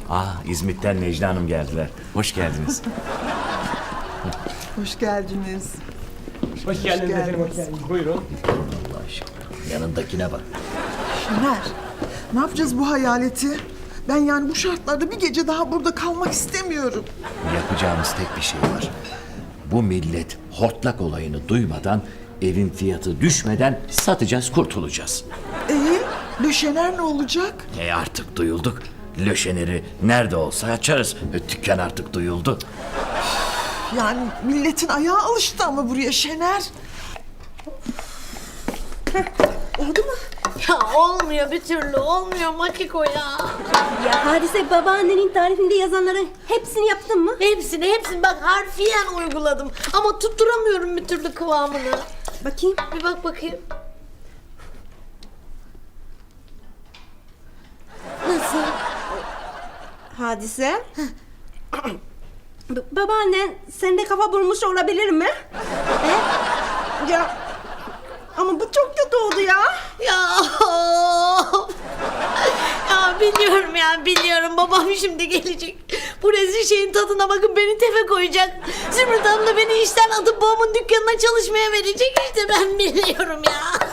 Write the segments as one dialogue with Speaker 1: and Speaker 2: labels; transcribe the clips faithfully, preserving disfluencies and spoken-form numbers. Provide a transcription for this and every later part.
Speaker 1: Ah, İzmit'ten Necla Hanım geldiler. Hoş geldiniz.
Speaker 2: Hoş geldiniz.
Speaker 3: Hoş geldiniz efendim, hoş geldiniz. Buyurun.
Speaker 1: Allah aşkına. Yanındakine bak.
Speaker 2: Şener, ne yapacağız bu hayaleti? Ben yani bu şartlarda bir gece daha burada kalmak istemiyorum.
Speaker 1: Yapacağımız tek bir şey var. Bu millet hortlak olayını duymadan, evin fiyatı düşmeden satacağız, kurtulacağız.
Speaker 2: Ee, Le Şener ne olacak?
Speaker 1: E artık duyulduk. Löşeneri nerede olsa açarız. E, dükkan artık duyuldu.
Speaker 2: Yani milletin ayağı alıştı ama buraya Şener. Oldu mu?
Speaker 4: Ya olmuyor bir türlü olmuyor Makiko ya.
Speaker 5: Ya Hadise, babaannenin tarifinde yazanların hepsini yaptın mı?
Speaker 4: Hepsini hepsini bak harfiyen uyguladım. Ama tutturamıyorum bir türlü kıvamını.
Speaker 5: Bakayım.
Speaker 4: Bir bak bakayım. Nasıl?
Speaker 5: Hadise. B- babaannen sende kafa bulmuş olabilir mi? He? Ya ama bu çok kötü oldu ya.
Speaker 4: Ya ya biliyorum ya biliyorum babam şimdi gelecek. Bu rezil şeyin tadına bakın beni tefe koyacak. Zümrüt Hanım da beni işten atıp babamın dükkanına çalışmaya verecek işte ben biliyorum ya.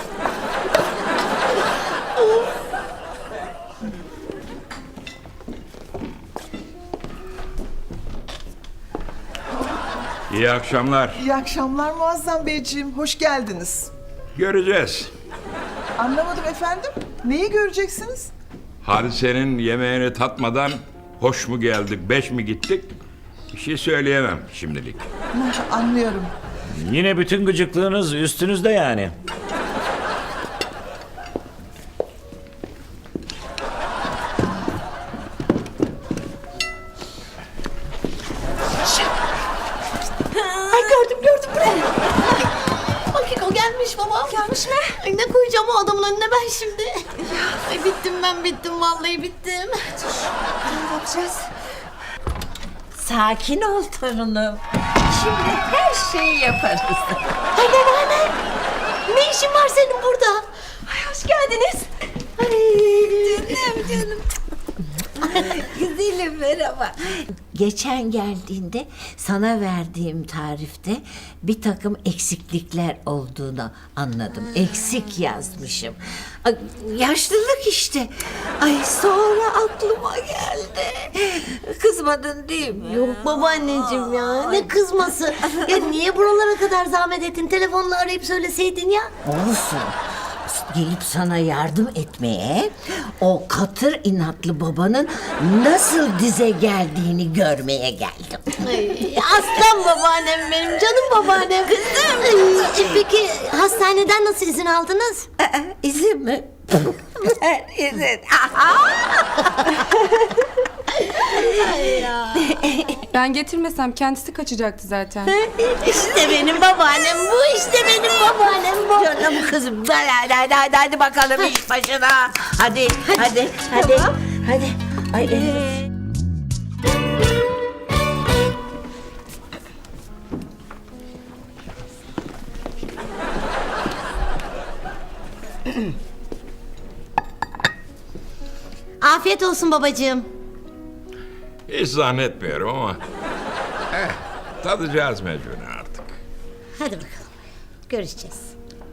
Speaker 6: İyi akşamlar.
Speaker 2: İyi akşamlar Muazzam Beyciğim, hoş geldiniz.
Speaker 6: Göreceğiz.
Speaker 2: Anlamadım efendim, neyi göreceksiniz?
Speaker 6: Hadise'nin yemeğini tatmadan hoş mu geldik, beş mi gittik? Bir şey söyleyemem şimdilik.
Speaker 2: Hah, anlıyorum.
Speaker 1: Yine bütün gıcıklığınız üstünüzde yani.
Speaker 4: Ay gördüm gördüm buraya. Makiko gelmiş babam. Gelmiş mi? Ay ne koyacağım o adamın önüne ben şimdi. Ay bittim ben bittim vallahi bittim.
Speaker 5: Ne yapacağız?
Speaker 7: Sakin ol torunum. Şimdi her şeyi yaparız.
Speaker 4: Ay babaanne. Ne işin var senin burada?
Speaker 5: Ay, hoş geldiniz.
Speaker 7: Canım canım. Güzelim merhaba. Geçen geldiğinde sana verdiğim tarifte bir takım eksiklikler olduğunu anladım. Eksik yazmışım. Ay, yaşlılık işte. Ay sonra aklıma geldi. Kızmadın değil mi?
Speaker 4: Yok babaanneciğim ya ne kızması. Ya niye buralara kadar zahmet ettin? Telefonla arayıp söyleseydin ya.
Speaker 7: Olsun. Gelip sana yardım etmeye, o katır inatlı babanın nasıl dize geldiğini görmeye geldim.
Speaker 4: Ay, aslan babaannem benim canım babaannem. Kızım. Peki hastaneden nasıl izin aldınız?
Speaker 7: Aa, izin mi? Ver izin.
Speaker 8: Ben getirmesem kendisi kaçacaktı zaten.
Speaker 4: İşte benim babaannem bu işte benim babaannem bu.
Speaker 7: Canım kızım, hadi hadi hadi, hadi bakalım iş başına. Hadi hadi hadi hadi. Ay, e,
Speaker 4: Afiyet olsun babacığım.
Speaker 6: Hiç zannetmiyorum ama... Eh, tadacağız mecburen artık.
Speaker 4: Hadi bakalım. Görüşeceğiz.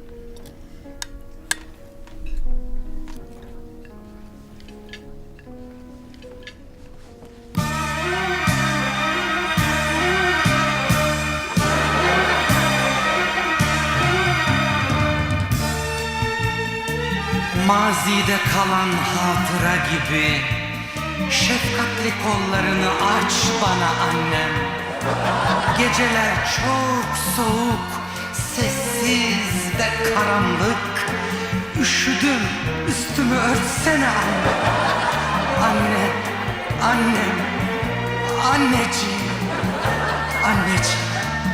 Speaker 9: Mazide kalan hatıra gibi şefkatli kollarını aç bana annem. Geceler çok soğuk, sessiz ve karanlık. Üşüdüm, üstümü örtsene anne. Anne, annem, anneciğim, anneciğim.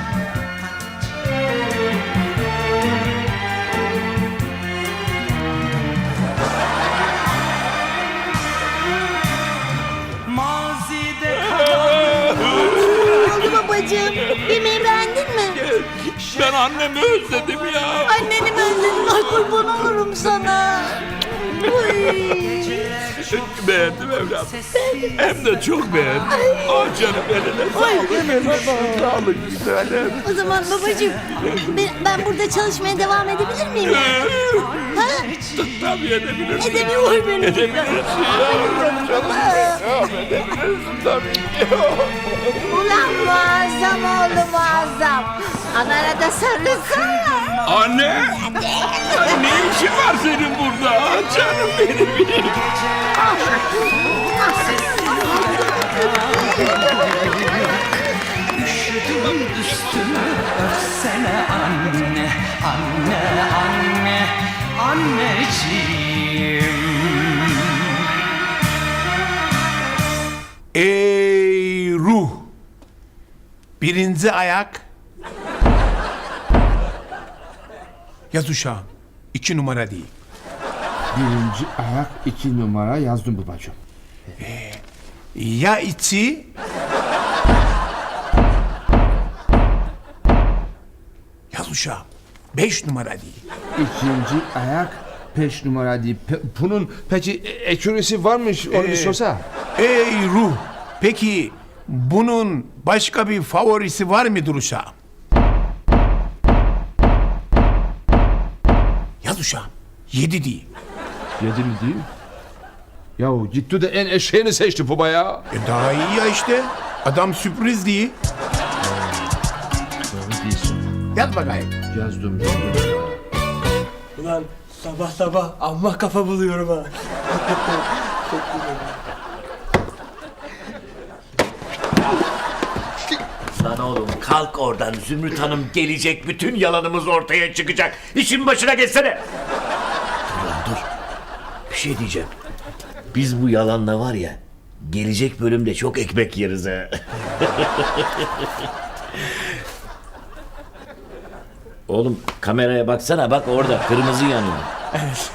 Speaker 9: Mazide kalan
Speaker 4: Oldu babacığım. Yemeği beğendin mi?
Speaker 6: Ben annemi özledim ya.
Speaker 4: Anneni mi özledin? Ay kurban olurum sana.
Speaker 6: Beğendim evladım. Hem de çok beğendim. Ah canım eline sağlık. Sağlık güzelim.
Speaker 4: O zaman babacığım ben, ben burada çalışmaya devam edebilir miyim? Ha?
Speaker 6: Tabii edebilirsin.
Speaker 4: Edemiyor beni.
Speaker 6: Edebilirsin yavrum canım. Ya edebilirsin tabii ki.
Speaker 7: Ulan muazzam oğlu muazzam. Anana da sarılsana.
Speaker 6: Anne! Ne işin var senin burada? Canım benim.
Speaker 9: Üşüdüm üstüme öpsene anne, anne, anne, anneciğim.
Speaker 10: Ey ruh! Birinci ayak. Yaz uşağım. İki numara değil.
Speaker 3: Birinci ayak iki numara yazdım babacığım.
Speaker 10: Ya içi? Yaz uşağım. Beş numara değil.
Speaker 3: İkinci ayak beş numara değil. Pe- bunun peki ekürisi varmış onu bir
Speaker 10: Ee,
Speaker 3: sorsa.
Speaker 10: Ey ruh! Peki bunun başka bir favorisi var mıdır uşağım? Yaz uşağım. Yedi değil.
Speaker 3: Yedi mi değil? Yahu gitti de en eşeğini seçti baba ya.
Speaker 10: E daha iyi ya işte. Adam sürpriz değil.
Speaker 3: Doğru değilsin.
Speaker 10: Yaz bakayım.
Speaker 3: Yazdım. yazdım. Ulan sabah sabah amma kafa buluyorum ha.
Speaker 1: Lan oğlum kalk oradan. Zümrüt Hanım gelecek. Bütün yalanımız ortaya çıkacak. İşin başına geçsene. Dur lan dur. Bir şey diyeceğim. Biz bu yalanla var ya gelecek bölümde çok ekmek yeriz ha. Oğlum kameraya baksana bak orada kırmızı yanıyor.
Speaker 3: Evet.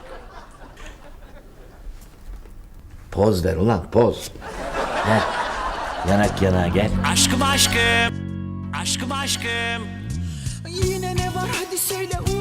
Speaker 1: Poz ver ulan poz. Heh. Yanak yana gel.
Speaker 9: Aşkım aşkım, aşkım aşkım.
Speaker 2: Yine ne var hadi söyle